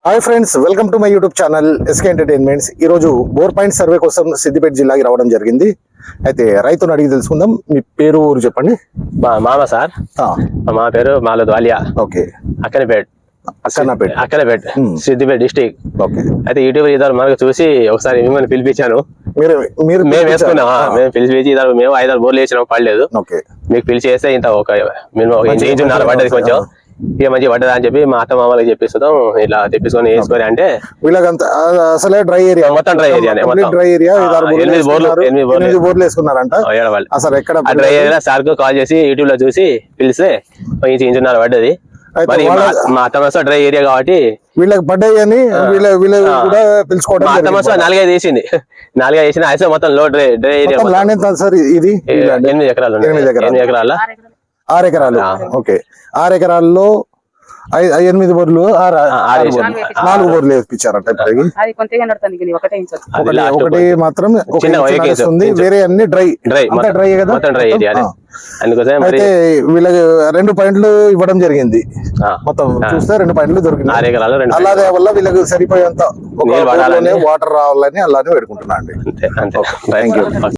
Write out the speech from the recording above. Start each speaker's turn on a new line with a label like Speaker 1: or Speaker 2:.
Speaker 1: Hi friends, welcome to my YouTube channel SK entertainments. ఈరోజు bore point survey కోసం సిద్దిపేట జిల్లాకి రావడం జరిగింది. అయితే రైతును అడిగి తెలుసుకుందాం. మీ పేరు ఊరు చెప్పండి.
Speaker 2: మా మామ సార్, మా పేరు మాలద్ వాలియా.
Speaker 1: Okay,
Speaker 2: Akkannapet Siddipet district.
Speaker 1: Okay,
Speaker 2: అయితే యూట్యూబ్ ఇద్దరు మనకు చూసి ఒకసారి మిమ్మల్ని పిలిపించాను.
Speaker 1: మీరు
Speaker 2: మేము వేసుకున్నాం, మేము పిలిపించి ఇద్దరు మేము 5-6 బోర్లు వేసినాం, పడలేదు.
Speaker 1: ఓకే,
Speaker 2: మీకు పిలిచి వేస్తే ఇంత ఒక ఇంచు నాలుగు పడ్డది, కొంచెం ఇక మంచి పడ్డదా అని చెప్పి మా అత్త మామలకి చెప్పిస్తాం. ఇలా తెప్పించుకొని వేసుకొని అంటే
Speaker 1: వీళ్ళకంతా అసలే డ్రై ఏరియా,
Speaker 2: మొత్తం డ్రై ఏరియా,
Speaker 1: డ్రై ఏరియా.
Speaker 2: 8
Speaker 1: బోర్లు వేసుకున్నారంట.
Speaker 2: అసలు ఎక్కడ డ్రై ఏరియా సార్ కు కాల్ చేసి యూట్యూబ్ లో చూసి పిలిస్తే ఇంచున్నర పడ్డది. మరి మా అత్త మనసు డ్రై ఏరియా కాబట్టి
Speaker 1: వీళ్ళకి పడ్డాయి అని వీళ్ళు కూడా పిలుచుకోవడం.
Speaker 2: మా అత్త మనసు 4-5 వేసింది, 4-5 వేసిన అయితే మొత్తం లో డ్రై ఏరియా.
Speaker 1: ల్యాండ్ ఎంత సార్ ఇది?
Speaker 2: 8 ఎకరాలు, 8 ఎకరాల
Speaker 1: 6 ఎకరాలు. ఓకే, 6 ఎకరాల్లో 8 బోర్లు 4 బోర్లు వేపించారంట. ఒకటి మాత్రం వస్తుంది, వేరే అన్ని డ్రై కదా. అయితే వీళ్ళకి 2 పాయింట్లు ఇవ్వడం జరిగింది. మొత్తం చూస్తే 2 పాయింట్లు దొరికింది. అలాగే వల్ల వీళ్ళకి సరిపోయేంత వాటర్ రావాలని అలానే పెట్టుకుంటున్నా అండి.
Speaker 2: Thank you.